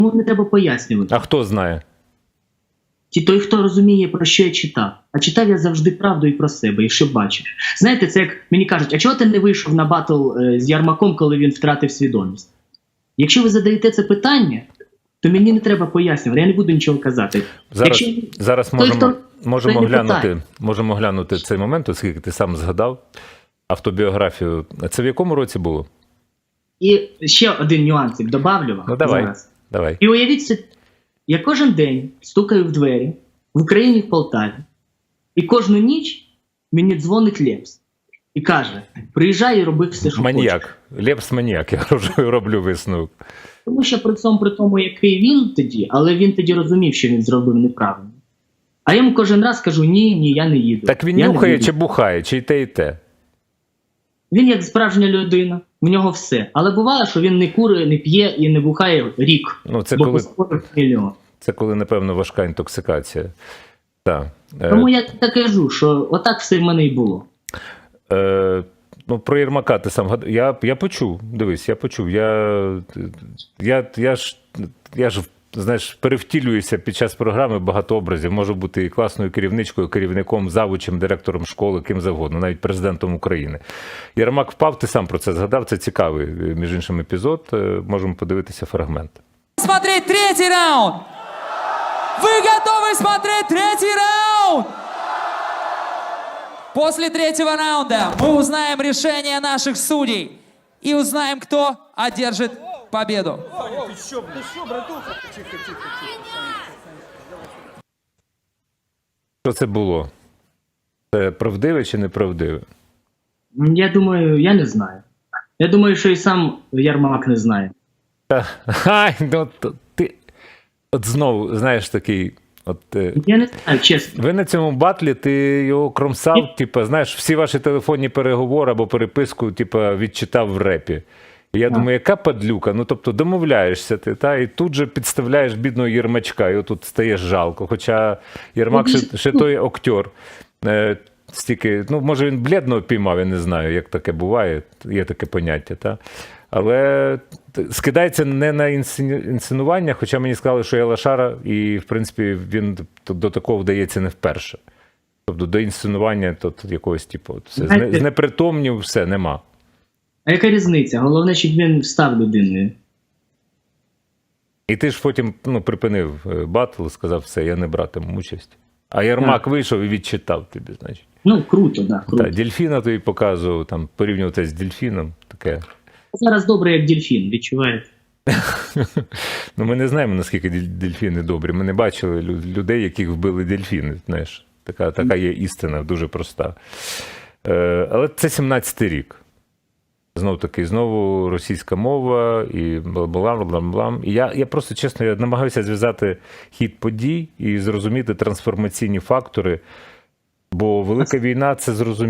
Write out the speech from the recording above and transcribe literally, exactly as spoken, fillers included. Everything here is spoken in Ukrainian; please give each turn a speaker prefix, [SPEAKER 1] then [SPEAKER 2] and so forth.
[SPEAKER 1] не треба пояснювати.
[SPEAKER 2] А хто знає?
[SPEAKER 1] Ті той, хто розуміє, про що я читав. А читав я завжди правду і про себе, і що бачив. Знаєте, це як мені кажуть, а чого ти не вийшов на батл е, з Ярмаком, коли він втратив свідомість? Якщо ви задаєте це питання, то мені не треба пояснювати, я не буду нічого казати.
[SPEAKER 2] Зараз,
[SPEAKER 1] Якщо...
[SPEAKER 2] зараз
[SPEAKER 1] той,
[SPEAKER 2] можемо,
[SPEAKER 1] хто...
[SPEAKER 2] можемо,
[SPEAKER 1] той
[SPEAKER 2] глянути, можемо глянути цей момент, оскільки ти сам згадав автобіографію. Це в якому році було?
[SPEAKER 1] І ще один нюансик добавлю вам.
[SPEAKER 2] Ну давай,
[SPEAKER 1] зараз.
[SPEAKER 2] давай.
[SPEAKER 1] І уявіть собі, я кожен день стукаю в двері в Україні, в Полтаві. І кожну ніч мені дзвонить Лепс. І каже, приїжджай і роби все, що
[SPEAKER 2] Маніяк. Лепс маніяк, я роблю висновок.
[SPEAKER 1] Тому що при цьому, при тому, який він тоді, але він тоді розумів, що він зробив неправильно. А я йому кожен раз кажу, ні, ні, я не їду.
[SPEAKER 2] Так він
[SPEAKER 1] я
[SPEAKER 2] нюхає чи бухає, чи й те, і те?
[SPEAKER 1] Він як справжня людина, в нього все. Але буває, що він не кури, не п'є і не бухає рік.
[SPEAKER 2] Ну, це
[SPEAKER 1] бо
[SPEAKER 2] коли,
[SPEAKER 1] мільйон.
[SPEAKER 2] це коли, напевно, важка інтоксикація. Так.
[SPEAKER 1] Тому я так кажу, що отак все в мене і було.
[SPEAKER 2] Е, ну, про Єрмака ти сам гадав. Я, я почув, дивись, я почув. Я, я, я, ж, я ж, знаєш, перевтілююся під час програми багато образів. Можу бути і класною керівничкою, керівником, завучем, директором школи, ким завгодно, навіть президентом України. Єрмак впав, ти сам про це згадав, це цікавий, між іншим, епізод. Можемо подивитися фрагмент.
[SPEAKER 3] Смотреть третий раунд! Вы готовы смотреть третий раунд? После третьего раунда мы узнаем решение наших судей и узнаем, кто одержит победу.
[SPEAKER 2] Що це було? Це правдиве чи неправдиве?
[SPEAKER 1] Я думаю, я не знаю. Я думаю, що і сам Ярмак не знає.
[SPEAKER 2] Та, ай, ну, то, ти, от знову, знаєш, такий, от,
[SPEAKER 1] Я не знаю, чесно.
[SPEAKER 2] ви на цьому батлі, ти його кромсав, типу, знаєш, всі ваші телефонні переговори або переписку, типу, відчитав в репі. І я а. думаю, яка падлюка, ну, тобто, домовляєшся ти, та, і тут же підставляєш бідного Єрмачка, і отут стаєш жалко, хоча Єрмак ну, ще, ще той актер. Е, стільки, ну, може, він бледного піймав, я не знаю, як таке буває, є таке поняття, та. Але скидається не на інсценування, хоча мені сказали, що я лошара, і, в принципі, він до такого вдається не вперше. Тобто до інсценування тут якогось, типу, все. Знаєте, знепритомнів, все, нема.
[SPEAKER 1] А яка різниця? Головне, щоб він став людиною.
[SPEAKER 2] І ти ж потім, ну, припинив батл, сказав, все, я не братиму участь. А Єрмак так. вийшов і відчитав тобі, значить.
[SPEAKER 1] Ну, круто, да, круто.
[SPEAKER 2] Так, дельфіна тобі показував, там, порівнювати з дельфіном, таке.
[SPEAKER 1] Зараз добре, як дельфін, відчуваєте?
[SPEAKER 2] Ну, ми не знаємо, наскільки дельфіни добрі. Ми не бачили людей, яких вбили дельфіни, знаєш. Така, така є істина, дуже проста. Е, але це сімнадцятий рік. Знов таки, знову російська мова і бла-бла-бла-бла. І я, я просто, чесно, я намагаюся зв'язати хід подій і зрозуміти трансформаційні фактори, бо велика війна – це зрозуміло.